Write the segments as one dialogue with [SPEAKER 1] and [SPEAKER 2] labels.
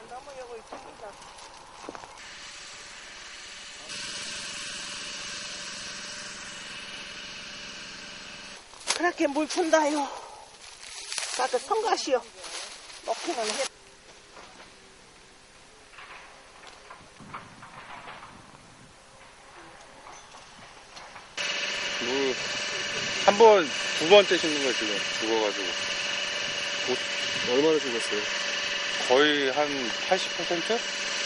[SPEAKER 1] 넘어가고 있습니다. 그렇게 물 푼다요. 나도 성가시오. 먹기는 해.
[SPEAKER 2] 한 번, 두 번째 심는 거예요, 지금. 죽어가지고.
[SPEAKER 3] 얼마나 죽었어요?
[SPEAKER 2] 거의 한 80%?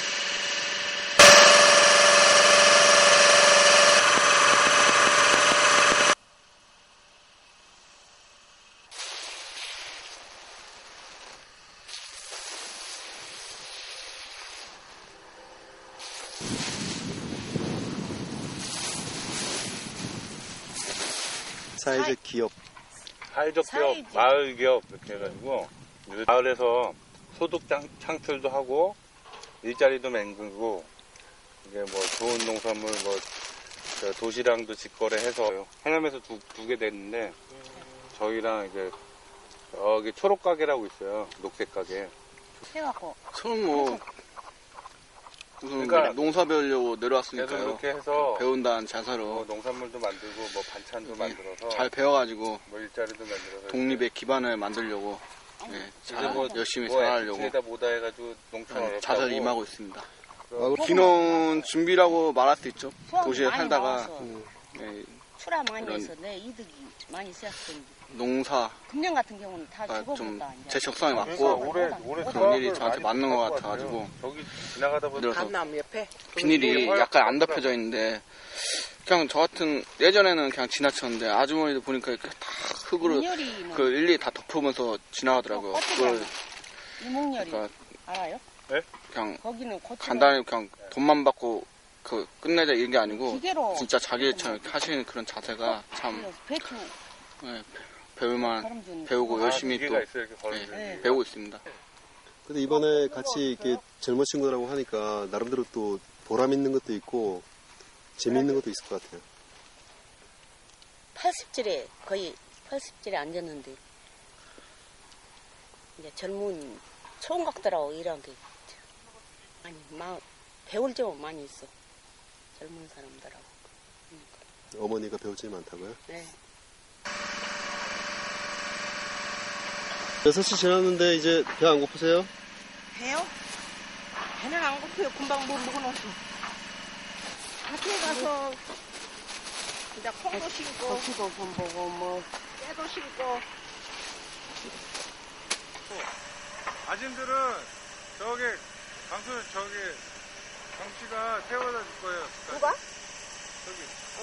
[SPEAKER 3] 사회적 기업.
[SPEAKER 2] 사회적 기업, 마을 기업, 이렇게 해가지고, 마을에서 소득 창출도 하고, 일자리도 만들고, 이게 뭐 좋은 농산물, 뭐, 도시락도 직거래해서, 해남에서 두 개 됐는데, 저희랑 이제, 여기 초록가게라고 있어요. 녹색가게.
[SPEAKER 4] 해갖고.
[SPEAKER 5] 처음 뭐, 무슨
[SPEAKER 2] 그러니까
[SPEAKER 5] 농사 배우려고
[SPEAKER 2] 계속
[SPEAKER 5] 내려왔으니까요.
[SPEAKER 2] 이렇게 해서,
[SPEAKER 5] 배운다는 자세로
[SPEAKER 2] 뭐 농산물도 만들고, 뭐 반찬도 만들어서,
[SPEAKER 5] 잘 배워가지고
[SPEAKER 2] 뭐 일자리도 만들어서.
[SPEAKER 5] 독립의 기반을 만들려고 네, 잘
[SPEAKER 2] 뭐,
[SPEAKER 5] 열심히
[SPEAKER 2] 뭐
[SPEAKER 5] 살아가려고
[SPEAKER 2] 에다 모다 해가지고 농촌 어렵다고.
[SPEAKER 5] 자세히 임하고 있습니다.
[SPEAKER 2] 그래서
[SPEAKER 5] 귀농 준비라고 말할 수 있죠.
[SPEAKER 4] 수확이
[SPEAKER 5] 도시에
[SPEAKER 4] 많이
[SPEAKER 5] 살다가
[SPEAKER 4] 나와서
[SPEAKER 5] 네,
[SPEAKER 4] 출하 많이
[SPEAKER 5] 이런-
[SPEAKER 4] 해서 내 이득이 많이 있었던.
[SPEAKER 5] 농사
[SPEAKER 4] 금년 같은 경우는 다
[SPEAKER 5] 좀
[SPEAKER 4] 죽어버렸다.
[SPEAKER 5] 제 적성에
[SPEAKER 2] 그러니까
[SPEAKER 5] 맞고
[SPEAKER 2] 올해
[SPEAKER 5] 그런 일이
[SPEAKER 2] 수확을
[SPEAKER 5] 저한테
[SPEAKER 2] 많이
[SPEAKER 5] 맞는 것
[SPEAKER 2] 할
[SPEAKER 5] 같아가지고
[SPEAKER 2] 저기 지나가다 보니까
[SPEAKER 5] 그래서
[SPEAKER 1] 감나무 옆에.
[SPEAKER 5] 비닐이 약간 안 덮여져 있는데 그냥 저 같은 예전에는 그냥 지나쳤는데 아주머니들 보니까 이렇게 다 흙으로
[SPEAKER 4] 이목열이는
[SPEAKER 5] 그 일일이 다 덮으면서 지나가더라고요. 그걸
[SPEAKER 4] 이목열이
[SPEAKER 5] 그러니까
[SPEAKER 4] 알아요?
[SPEAKER 5] 그냥
[SPEAKER 4] 거기는 고추
[SPEAKER 5] 간단히 그냥 돈만 받고 그 끝내자 이런 게 아니고
[SPEAKER 4] 기계로
[SPEAKER 5] 진짜 자기처럼 이렇게 하시는 그런 자세가 참
[SPEAKER 4] 배추
[SPEAKER 5] 네, 배울만
[SPEAKER 4] 걸음주는
[SPEAKER 5] 배우고 열심히 또
[SPEAKER 2] 기계가 있어요, 이렇게 걸어주는
[SPEAKER 5] 네,
[SPEAKER 2] 게.
[SPEAKER 5] 배우고 있습니다.
[SPEAKER 3] 근데 이번에 같이 이렇게 젊은 친구들하고 하니까 나름대로 또 보람 있는 것도 있고 재미있는 것도 있을 것 같아요.
[SPEAKER 4] 80질에 거의 80질에 앉았는데 이제 젊은 총각들하고 일한 게 많이 배울 점은 많이 있어. 젊은 사람들하고.
[SPEAKER 3] 어머니가 배울 점이 많다고요?
[SPEAKER 4] 네.
[SPEAKER 3] 6시 지났는데 이제 배 안 고프세요?
[SPEAKER 1] 배요? 배는 안 고파요. 금방 뭐 먹어놓고. 밭에 가서 이제 콩도 심고,
[SPEAKER 4] 고기도 좀 보고 뭐
[SPEAKER 1] 깨도 심고.
[SPEAKER 2] 아줌들은 저기 강씨가 태워다 줄 거예요.
[SPEAKER 1] 누가?
[SPEAKER 2] 저기.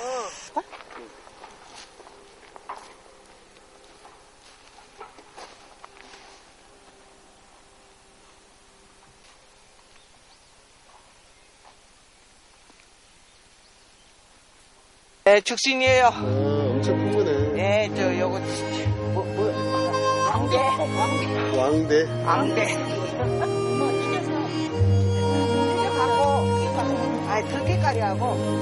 [SPEAKER 1] 네, 죽신이에요.
[SPEAKER 3] 엄청 큰 거네.
[SPEAKER 1] 네, 저 요거 왕대.
[SPEAKER 3] 왕대.
[SPEAKER 4] 뭐 이래서
[SPEAKER 1] 이제 갖고, 들깨가리 하고